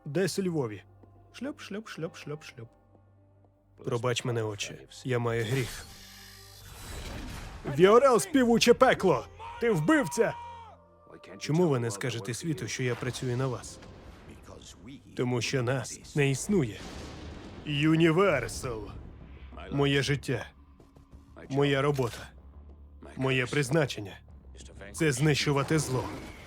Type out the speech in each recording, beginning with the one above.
Десь у Львові. Шльоп, шльоп, шльоп, шльоп, шльоп. Пробач мене, отче. Я маю гріх. Віорел, співуче пекло! Ти вбивця! Чому ви не скажете світу, що я працюю на вас? Тому що нас не існує. Юніверсал. Моє життя. Моя робота. Моє призначення. Це знищувати зло.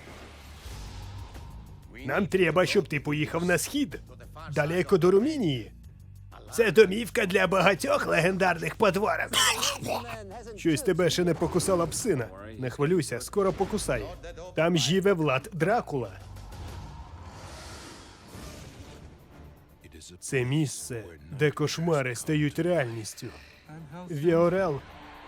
Нам треба, щоб ти поїхав на схід. Далеко до Румінії. Це домівка для багатьох легендарних потворок. Щось тебе ще не покусала псина. Не хвилюйся, скоро покусає. Там живе Влад Дракула. Це місце, де кошмари стають реальністю. Віорел.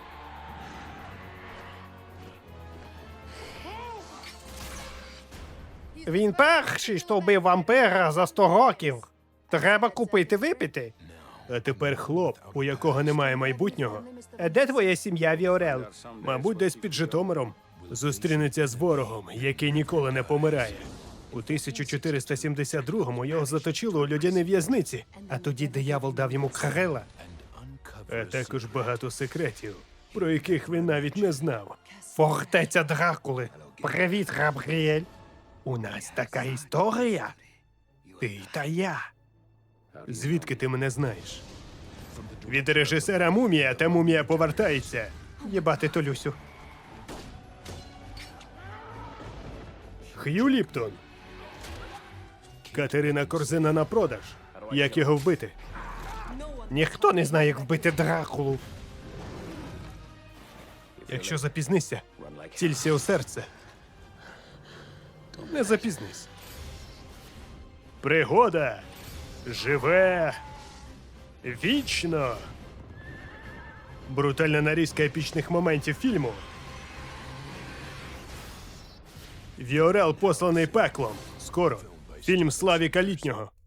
Він перший, що вбив вампира за 100 років. Треба купити випити. А тепер хлоп, у якого немає майбутнього. Де твоя сім'я, Віорел? Мабуть, десь під Житомиром. Зустрінеться з ворогом, який ніколи не помирає. У 1472-му його заточили у льодяній в'язниці, а тоді диявол дав йому крила. А також багато секретів, про яких він навіть не знав. Фортеця Дракули. Привіт, Габріель. У нас така історія. Ти та я. Звідки ти мене знаєш? Від режисера «Мумія» та «Мумія повертається». Єбати Толюсю. Хью Ліптон. Катерина Корзина на продаж. Як його вбити? Ніхто не знає, як вбити Дракулу. Якщо запізнишся, цілься у серце. Не запізнись. Пригода живе вічно. Брутальна нарізка епічних моментів фільму. Віорел, посланий пеклом. Скоро. Фільм Славіка Літнього.